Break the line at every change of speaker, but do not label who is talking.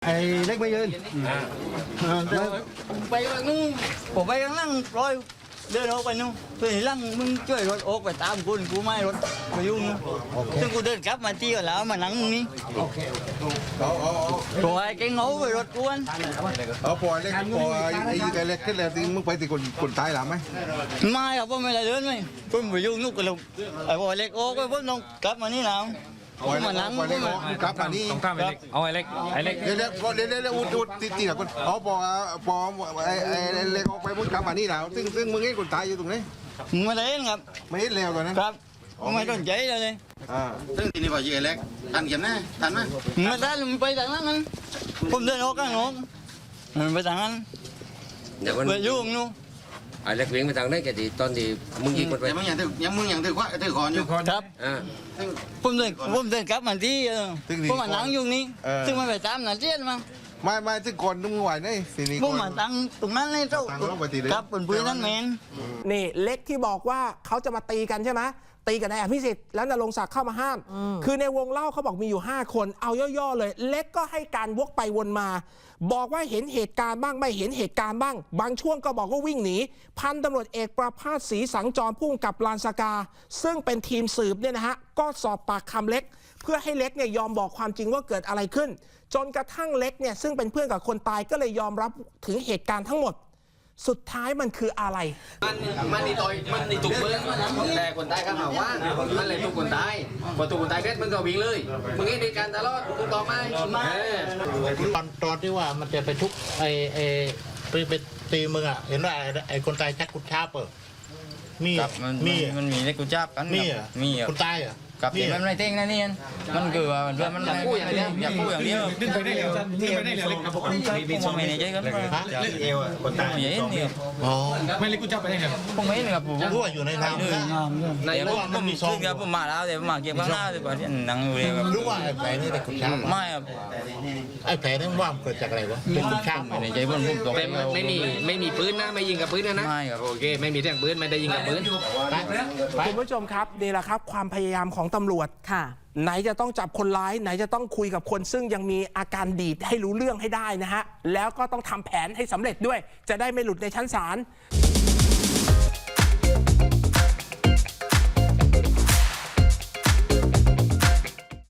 ไอ้เล็กไม่ยืน
ไปนู่นผมไปข้างล่างร้อยเดินออกไปนู่นเพื่อนล่างมึงช่วยรถออกไปตามคุณกูไม่รถไปยุ่งซึ่งกูเดินกลับมาที่แล้วมานั่งนี่ตัวไอ้แกงเอาไปรถกวน
พอเล็กพอไอ้แกเล็กขึ้นแล้วที่มึงไปที่คนตายหรือไม่
ไม่ครับผมไม่ได้เดินไม่ผมไปยุ่งนู่นกันเลยไอ้พอเล็กออกไปผมต้องกลับมานี่แล้วมานั่งผม
กลับมานี่
ต้องข้ามไอ้เล็กเอาไอ้เล็ก
เดี๋ยวอุดตีกับคนพอไอ้เล็กออกไปมึงกลับมานี่แล้วซึ่งมึงเห็นคนตายอยู่ตรงนี้
ไม่ได้เห็นครับ
ไม่เห็นแล้วกันนะครับ
ผมไม่สนใจเลย
ซึ่งทีนี้พอยืนเล็กทันเข็มนะทันไหม
ไม่ได้มันไปทางนั้นผมเดินออกข้างนอกมันไปทางนั้นไปยุ่งนู่น
ไอ้เล็กวิ่งไปทางไหนแกดีตอนที่มึงยิงคนไป
ยังมึงอย่างถือคอนอยู่
ครับผมเดินกลับมาที่ผมมานั่งอยู่นี่ซึ่งมันไปตามนั่นเจี๊ยบมั้ง
ไม่ซึ่งคนมึงไหวนี่สินี่
ผมมาตั้งตรงนั้นเลยเจ้าครับเป็นปืนนั่นแมน
นี่เล็กที่บอกว่าเขาจะมาตีกันใช่ไหมตีกันนายอภิสิทธิ์แล้วนรงศักดิ์เข้ามาห้ามคือในวงเล่าเขาบอกมีอยู่5คนเอาย่อๆเลยเล็กก็ให้การวกไปวนมาบอกว่าเห็นเหตุการณ์บ้างไม่เห็นเหตุการณ์บ้างบางช่วงก็บอกว่าวิ่งหนีพันตำรวจเอกประภาสศรีสังจรผู้กำกับลานสกาซึ่งเป็นทีมสืบเนี่ยนะฮะก็สอบปากคำเล็กเพื่อให้เล็กเนี่ยยอมบอกความจริงว่าเกิดอะไรขึ้นจนกระทั่งเล็กเนี่ยซึ่งเป็นเพื่อนกับคนตายก็เลยยอมรับถึงเหตุการณ์ทั้งหมดสุดท้ายมันคืออะไร
มันนี่ต่อยมันนี่ถูกมึงแต่คนตายก็หาว่ามันเลยถูกคนตายพอถูกคนตายเสร็จมึงก็วิ่งเลยมึงให้ในการตลอดถูกต้องไหม
ตอนที่ว่ามันจะไปทุกไปตีมึงอ่ะเห็นว่าไอ้คนตายชักกุญชาเปิด
มันมีเล็กกูจับกัน
มีคนตายอ่ะ
กับที่มันไม่เท่งนะนี่มันคือว่ามันอยากพูดอย่างเดียว
ดึงไปได้เร็วดึงไปได้เร็วเล็กครับผม
มีสองไม่ในใจกัน
เล็กเอวคนตาย
ไม่เห็นเนี่ย
ไม่เล็กกูจับไปได้เร็ว
ผมไม่เห็นครับผม
รู้ว่าอยู่ในน้ำ
ในผมมีซองครับผมมาแล้วแต่ผมมาเก็บข้างหน้าแต่ว่าที่นั่งอยู่เลยครับ
รู้ว่าไอ้แผลนี่เป็นกุญชา
ไม่ครับ
ไอ้แผลนี่ว่าเกิดจากอะไรวะเป็นกุญชา
ในใจผมตก
ไม่มีปืนนะไม่ยิงกับปืนนะ
ไม่ครับ
โอเคไม่มีแท่งปืนไม่ได้ยิงกับปืน
คุณผู้ชมครับนี่แหละครับความพยายามของตำรวจไหนจะต้องจับคนร้ายไหนจะต้องคุยกับคนซึ่งยังมีอาการดีดให้รู้เรื่องให้ได้นะฮะแล้วก็ต้องทำแผนให้สำเร็จด้วยจะได้ไม่หลุดในชั้นศาล